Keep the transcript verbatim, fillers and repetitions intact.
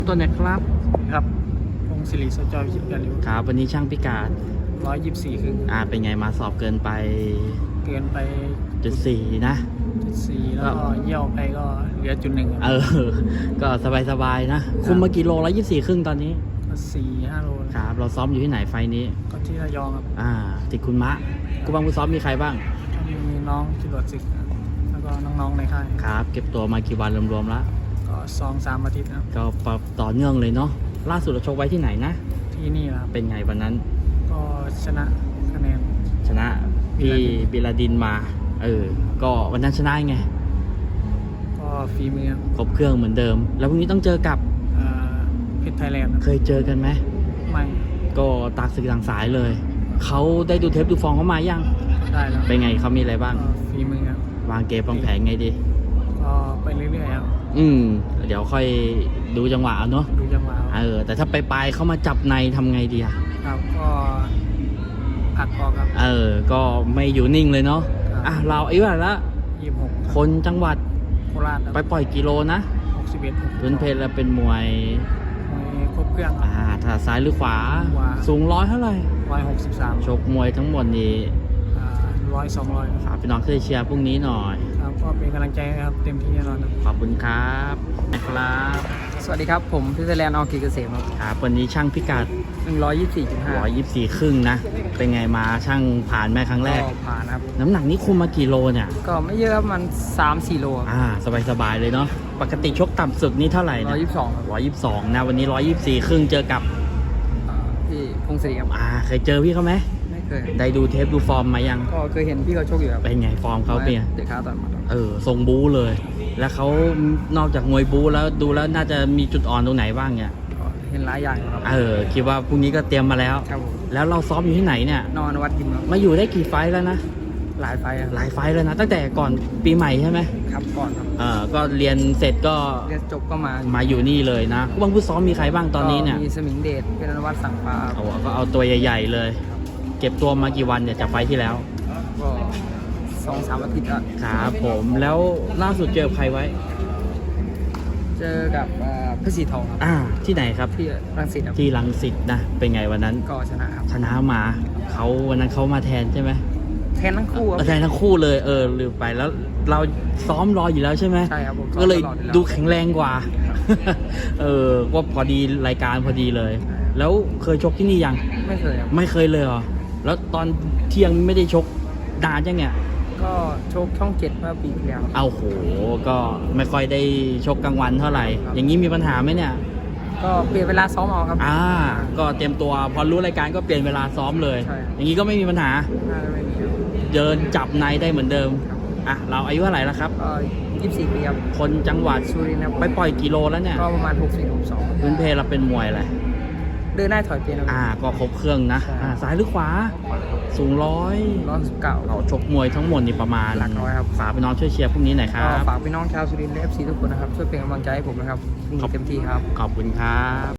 ตัวไหนครับครับพงศิริสจอยวิจิตรการิวครับวันนี้ช่างพิกัดร้อยยี่สิบสี่ครึ่งอ่าเป็นไงมาสอบเกินไปเกินไปจุดสี่นะจุดสี่แล้วก็เยี่ยวไปก็เหลือจุดหนึ่งเออก็สบายๆนะคุมมากี่โลร้อยยี่สิบสี่ครึ่งตอนนี้ก็สี่ห้าโลครับเราซ้อมอยู่ที่ไหนไฟนี้ก็ที่ระยองครับอ่าติดคุณมะกูบังกูซ้อมมีใครบ้างมีน้องจรวดศึกแล้วก็น้องๆในค่ายครับเก็บตัวมากี่วันรวมๆแล้วก็สองสามอาทิตย์ครับก็ต่อเนื่องเลยเนาะล่าสุดเราชกไว้ที่ไหนนะที่นี่ครับเป็นไงวันนั้นก็ชนะคะแนนชนะพี่บิลาดินมาเออก็วันนั้นชนะไงก็ฝีมือครบเครื่องเหมือนเดิมแล้วพรุ่งนี้ต้องเจอกับเพชรไทยแลนด์เคยเจอกันไหมไม่ก็ตากศึกต่างสายเลยเขาได้ดูเทปดูฟองเขามายังได้แล้วเป็นไงเขามีอะไรบ้างฝีมือครับวางเกมวางแผนไงดีก็ไปเรื่อยๆครับอืมเดี๋ยวค่อยดูจังหวะเนาะดูจังหวะเออแต่ถ้าไปปลายเขามาจับในทำไงดีอะครับก็ผักออกครับเออก็ไม่อยู่นิ่งเลยเนาะอ่ะเราอายุเท่าไหร่ละยี่สิบหกคนจังหวัดโคราชไปปล่อยกิโลนะหกสิบเอ็ดพื้นเพลแล้วเป็นมวยมวยครบเครื่องอ่าถ้าซ้ายหรือขวาสูงร้อยเท่าไหร่ร้อยหกสิบสามชกมวยทั้งหมดนี้ร้อยสองร้อยฝากพี่น้องเชียร์พรุ่งนี้หน่อยครับก็เป็นกำลังใจครับเต็มที่แน่นอนขอบคุณครับนะครับสวัสดีครับผมพิเศษแลนด์ออกีเกษมครับวันนี้ช่างพิกัดหนึ่งร้อยยี่สิบสี่จุดห้าร้อยยี่สิบสี่ครึ่งนะเป็นไงมาช่างผ่านแม่ครั้งแรกผ่านครับน้ำหนักนี้คุมมากี่โลเนี่ยก็ไม่เยอะครับมันสามสี่โลอ่าสบายๆเลยเนาะปกติชกต่ำสุดนี่เท่าไหร่ร้อยยี่สิบสองร้อยยี่สิบสองนะวันนี้ร้อยยี่สิบสี่ครึ่งเจอกับพี่พงศิริครับอ่าเคยเจอพี่เขาไหมไม่เคยได้ดูเทปดูฟอร์มมายังก็เคยเห็นพี่เขาชกอยู่ครับเป็นไงฟอร์มเขาเป็นเด็กขาต่อยมาเออทรงบู๊เลยแล้วเขานอกจากมวยบู๊แล้วดูแล้วน่าจะมีจุดอ่อนตรงไหนบ้างเนี่ยเห็นหลายอย่างครับเออคิดว่าพรุ่งนี้ก็เตรียมมาแล้วครับผมแล้วเราซ้อมอยู่ที่ไหนเนี่ยนอนวัดยิมครับมาอยู่ได้กี่ไฟล์แล้วนะหลายไฟล์หลายไฟล์แล้วนะตั้งแต่ก่อนปีใหม่ใช่ไหมครับก่อนครับเออก็เรียนเสร็จก็เรียนจบก็มามาอยู่นี่เลยนะผู้บังผู้ซ้อมมีใครบ้างตอนนี้เนี่ยมีสมิงเดชเป็นนวัตสั่งฟ้าเอาก็เอาตัวใหญ่ๆเลยเก็บตัวมากี่วันเนี่ยจากไฟล์ที่แล้วก็สองสามอาทิตย์แล้วครับผมแล้วล่าสุดเจอใครไว้เจอกับเพชรสีทองอ่าที่ไหนครับที่รังสิตที่รังสิตนะเป็นไงวันนั้นก็ชนะครับชนะมาเขาวันนั้นเขามาแทนใช่ไหมแทนทั้งคู่แทนทั้งคู่เลยเออลืมไปแล้วเราซ้อมรออยู่แล้วใช่ไหมใช่ครับผมก็เลยดูแข็งแรงกว่าเออก็พอดีรายการพอดีเลยแล้วเคยชกที่นี่ยังไม่เคยไม่เคยเลยเหรอแล้วตอนเที่ยงไม่ได้ชกนานจังเนี่ยก็ชกช่องเจ็ดเมื่อปีที่แล้วเอาโหก็ไม่ค่อยได้ชกกลางวันเท่าไหร่อย่างนี้มีปัญหาไหมเนี่ยก็เปลี่ยนเวลาซ้อมเอาครับอ่าก็เตรียมตัวพอรู้รายการก็เปลี่ยนเวลาซ้อมเลยอย่างนี้ก็ไม่มีปัญหาไม่มีเดินจับในได้เหมือนเดิมอ่ะเราอายุเท่าไหร่แล้วครับก็ยี่สิบสี่ปีครับคนจังหวัดสุรินทร์ไปปล่อยกิโลแล้วเนี่ยก็ประมาณหกสิบหกสองพื้นเพเราเป็นมวยอะไรเดินได้ถอยเปลี่ยนอ่าก็ครบเครื่องนะอ่าซ้ายหรือขวาสูงร้อยร้อยสิบเก้าเราชกมวยทั้งหมดนี่ประมาณหลักร้อยครับฝากพี่น้องช่วยเชียร์พรุ่งนี้หน่อยครับฝากพี่น้องชาวสุรินทร์และ เอฟ ซี ทุกคนนะครับช่วยเป็นกำลังใจให้ผมนะครับเต็มที่ครับขอบคุณครับ